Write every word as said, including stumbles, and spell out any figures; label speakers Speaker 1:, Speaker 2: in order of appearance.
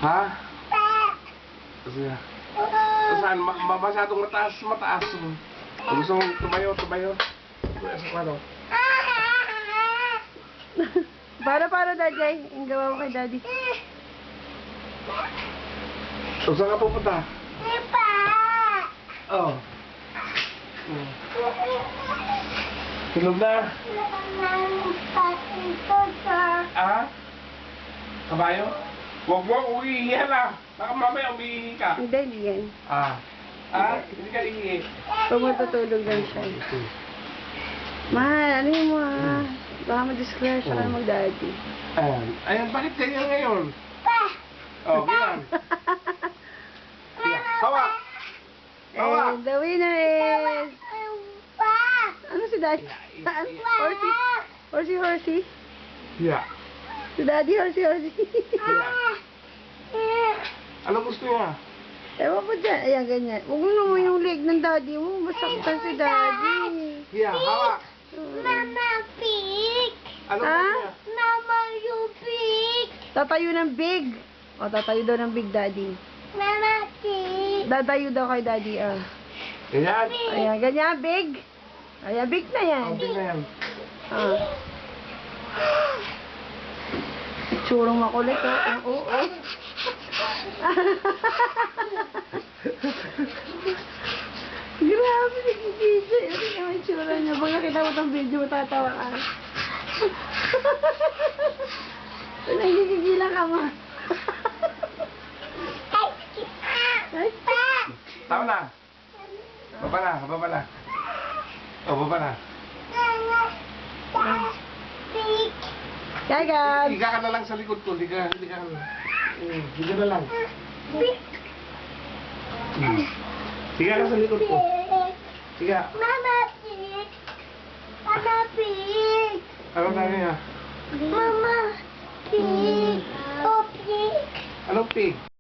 Speaker 1: Ha? Sige. Saan? Ma ma masyadong mataas, mataas. Kung gusto mong tumayo, tumayo. Ano?
Speaker 2: Para, para, Daddy. Ang gawa mo kay Daddy.
Speaker 1: So, saan ka pupunta? Oh. Hmm. Tulog na? Ah? Kabayo? Huwag mo, umiihi na. Baka mamaya umiihi ka.
Speaker 2: Hindi, hindi yan.
Speaker 1: Ah. Ah? Hindi ka iihi.
Speaker 2: Pag matutulog lang siya. Mahal, ano yung mga... Baka ma-disclare siya ka mag-Daddy.
Speaker 1: Ayan. Ayan, bakit ganyan ngayon? Oh, ganyan. Yeah. Hawa! Hawa!
Speaker 2: And the winner is... Ano si Daddy? Ano? Horsey? Horsey, horsey?
Speaker 1: Yeah.
Speaker 2: Si Daddy, horsey, horsey.
Speaker 1: Ano gusto niya?
Speaker 2: Ewan ko dyan. Ayan, ganyan. Huwag mo naman yung leg ng Daddy mo. Masaktan si Daddy.
Speaker 1: Yeah, hawa!
Speaker 3: Mama Pig!
Speaker 1: Ano
Speaker 2: Ah?
Speaker 1: gusto niya?
Speaker 3: Mama you Pig!
Speaker 2: Tatayo ng big. O, tatayo daw ng big, Daddy.
Speaker 3: Mama Pig!
Speaker 2: Tatayo daw kay Daddy, ah.
Speaker 1: Ganyan?
Speaker 2: Ayan, ganyan, big. Ayan, big na yan.
Speaker 1: Ang big na yan.
Speaker 2: Ah. Itsurong makulit, oh. Oo, oo. Oh. Grabe, nagigisa. Ano yung itsura niya? Pag nakita mo itong video, matatawa ka. Nagigigila ka, ma. Ay,
Speaker 1: Tama na. Baba na, baba na. Oh, baba na.
Speaker 3: Mama Pig!
Speaker 2: Hi, guys.
Speaker 1: Higa ka na lang sa likod ko. Higa, higa ka na lang. Hmm, higa na lang.
Speaker 3: Pig!
Speaker 1: Hmm. Higa ka sa likod ko. Higa.
Speaker 3: Mama Pig! Mama Pig!
Speaker 1: Ano na niya?
Speaker 3: Mama Pig! Oh, Pig!
Speaker 1: Anong pig?